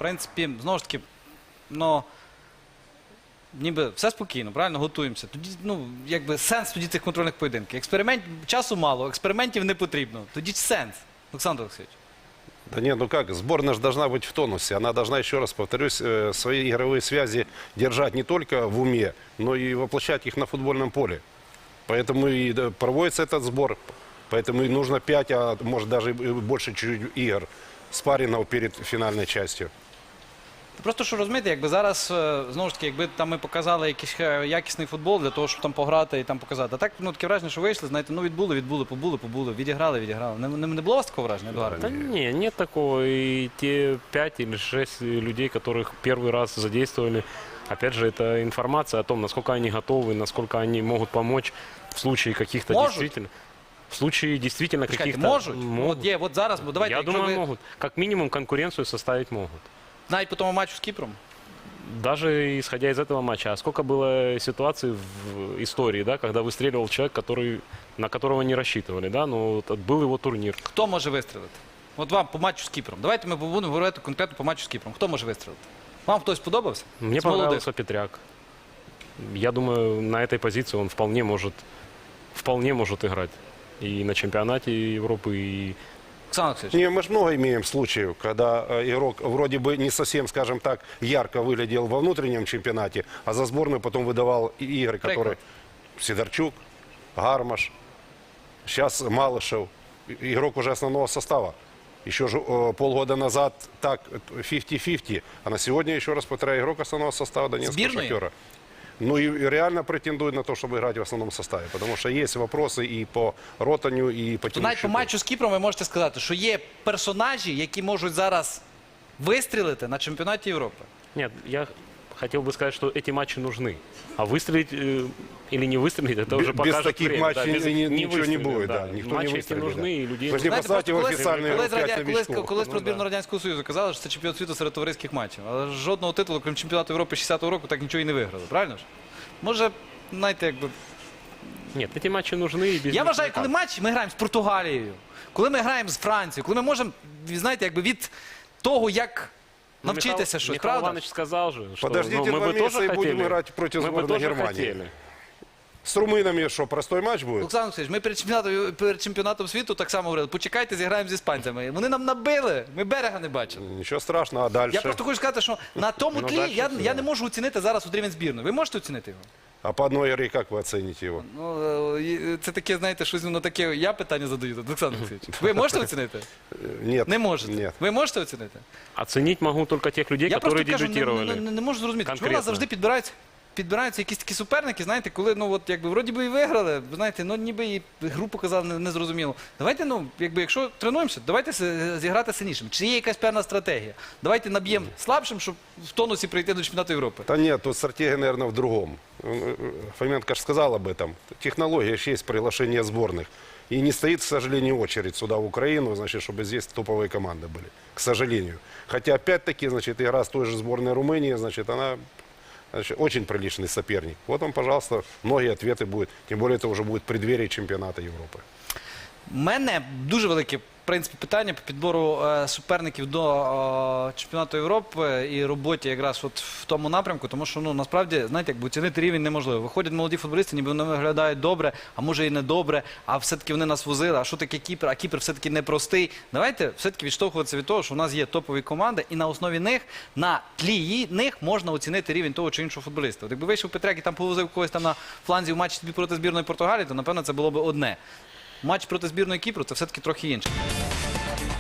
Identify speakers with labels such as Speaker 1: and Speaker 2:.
Speaker 1: принципі, знову ж таки, ну, ніби все спокійно, правильно, готуємося. Тоді, ну, якби сенс тоді цих контрольних поєдинків. Часу мало, експериментів не потрібно. Тоді сенс, Олександр Олексійович.
Speaker 2: Да нет, ну как, сборная же должна быть в тонусе. Она должна, еще раз повторюсь, свои игровые связи держать не только в уме, но и воплощать их на футбольном поле. Поэтому и проводится этот сбор. Поэтому и нужно 5, а может даже больше чуть-чуть игр спаррингов перед финальной частью.
Speaker 1: Просто що розумієте, якби зараз, знову ж таки, якби там ми показали якийсь якісний футбол для того, щоб там пограти і там показати. А так, ну, таке враження, що вийшли, знаєте, ну, побули, відіграли. Не було у вас такого враження, Едуард?
Speaker 3: Да не, нет такого. И те 5 или 6 людей, которых первый раз задействовали, опять же, это информация о том, насколько они готовы, насколько они могут помочь в случае каких-то действительно... В случае действительно каких-то...
Speaker 1: Можуть?
Speaker 3: Могут.
Speaker 1: От є, от зараз, бо давайте,
Speaker 3: Я
Speaker 1: якщо
Speaker 3: думаю,
Speaker 1: ви...
Speaker 3: могут. Как минимум конкуренцию составить могут.
Speaker 1: Навіть по тому матчу з Кіпром?
Speaker 3: Даже исходя из этого матча. А сколько было ситуаций в истории, да, когда выстреливал человек, на которого не рассчитывали, да, но вот был его турнир.
Speaker 1: Хто може вистрілити? От вам по матчу з Кіпром. Давайте ми будемо говорити конкретно по матчу з Кіпром. Хто може вистрілити? Вам хтось сподобався?
Speaker 3: Мне
Speaker 1: З молодих?
Speaker 3: понравился Петряк. Я думаю, на этой позиции он вполне может играть. И на чемпионате Европы, и...
Speaker 1: Олександр Олексійович.
Speaker 2: Не, мы же много имеем случаев, когда игрок вроде бы не совсем, скажем так, ярко выглядел во внутреннем чемпионате, а за сборную потом выдавал и игры, которые... Сидорчук, Гармаш, сейчас Малышев, игрок уже основного состава. Еще же полгода назад так 50-50, а на сегодня, еще раз повторяю, игрок основного состава Донецкого
Speaker 1: Сборной?
Speaker 2: Шахтера. Ну и реально претендует на то, чтобы играть в основном составе, потому что есть вопросы и по Ротаню, и по
Speaker 1: То навіть по
Speaker 2: Тимощуку.
Speaker 1: матчу з Кіпром ви можете сказати, що є персонажі, які можуть зараз вистрілити на чемпіонаті Європи.
Speaker 3: Нет, я хотел бы сказать, что эти матчи нужны. А выстрелить или не выстрелить, это уже
Speaker 2: Без
Speaker 3: покажет
Speaker 2: таких
Speaker 3: время.
Speaker 2: матчей ничего не
Speaker 3: выстрелит,
Speaker 2: будет.
Speaker 3: да.
Speaker 2: Да. Никто не
Speaker 3: Матчи эти
Speaker 2: выстрелит.
Speaker 3: нужны,
Speaker 2: Да.
Speaker 3: и людей...
Speaker 2: Вы же не
Speaker 1: Знаєте,
Speaker 2: поставьте в
Speaker 1: просто
Speaker 2: официальные
Speaker 1: колись
Speaker 3: Ну,
Speaker 1: про збірну
Speaker 3: да.
Speaker 1: Радянського Союзу казали, що це чемпіон світу серед товариських матчів. Але жодного титулу, крім чемпіонату Європи 60-го року, так нічого і не виграли. Правильно ж? Може, знаєте, якби...
Speaker 3: Нет, эти матчи нужны. И без
Speaker 1: Я
Speaker 3: них
Speaker 1: вважаю,
Speaker 3: никак.
Speaker 1: коли матч ми граємо з Португалією, коли ми граємо з Францією, коли ми можемо, знаєте, якби від того, як
Speaker 3: Ну,
Speaker 1: навчитися щось,
Speaker 3: Михаил
Speaker 1: правда?
Speaker 3: Иванович сказал же, что
Speaker 2: Подождите
Speaker 3: мы
Speaker 2: 2
Speaker 3: бы
Speaker 2: месяца
Speaker 3: тоже
Speaker 2: и будем
Speaker 3: хотели.
Speaker 2: играть против
Speaker 3: Мы бы
Speaker 2: сборной
Speaker 3: тоже
Speaker 2: Германии.
Speaker 3: хотели.
Speaker 2: С румынами что, простой матч будет?
Speaker 1: Олександр Олексійович, ми перед чемпіонатом світу так само говорили, почекайте, зіграємо з іспанцями. Вони нам набили, ми берега не бачили.
Speaker 2: Ничего страшного, а дальше?
Speaker 1: Я просто хочу сказати, що на тому
Speaker 3: Ну,
Speaker 1: тлі
Speaker 3: дальше
Speaker 1: я
Speaker 3: все.
Speaker 1: не можу оцінити зараз от рівень збірної. Ви можете оцінити його?
Speaker 2: А по одной игре как вы оцените его?
Speaker 1: Ну, це таке, знаєте, щось воно таке, я питання задаю, Олександр Олексійович. Ви можете оцінити?
Speaker 2: Нет.
Speaker 1: Не можете.
Speaker 2: Нет.
Speaker 1: Ви можете оцінити?
Speaker 3: Оценить могу только тех людей,
Speaker 1: Я
Speaker 3: которые
Speaker 1: просто кажу,
Speaker 3: дебютировали.
Speaker 1: не можу зрозуміти, чому у
Speaker 3: Конкретно.
Speaker 1: нас завжди підбираються якісь такі суперники, знаєте, коли, ну, от, якби, вроді би і виграли, знаєте, ну, ніби і гру показали незрозуміло. Давайте, ну, якби, якщо тренуємося, давайте зіграти сильнішим. Чи є якась певна стратегія? Давайте наб'ємо слабшим, щоб в тонусі прийти до чемпіонату Європи.
Speaker 2: Да нет, тут стратегия, наверное, в другом. Фоменко же сказал об этом. Технология же есть приглашение сборных. И не стоит, к сожалению, очередь сюда, в Украину, значит, чтобы здесь топовые команды были. К сожалению. Хотя, опять-таки, значит, игра с той же сборной Румынии, значит, она... Значит, очень приличный соперник. Вот вам, пожалуйста, многие ответы будут. Тем более, это уже будет преддверие чемпионата Европы.
Speaker 1: У мене дуже велике, в принципі, питання по підбору суперників до чемпіонату Європи і роботі якраз от в тому напрямку, тому що, ну, насправді, знаєте, якби оцінити рівень неможливо. Виходять молоді футболісти, ніби вони виглядають добре, а може і не добре, а все-таки вони нас возили, а що таке Кіпр, а Кіпр все-таки непростий. Давайте все-таки відштовхуватися від того, що у нас є топові команди, і на основі них, на тлі них можна оцінити рівень того чи іншого футболіста. От якби вийшов Петряк і там повозив когось там на фланзі в матчі проти збірної Португалії, то, напевно, це було б одне. Матч проти збірної Кіпру – це все-таки трохи інше.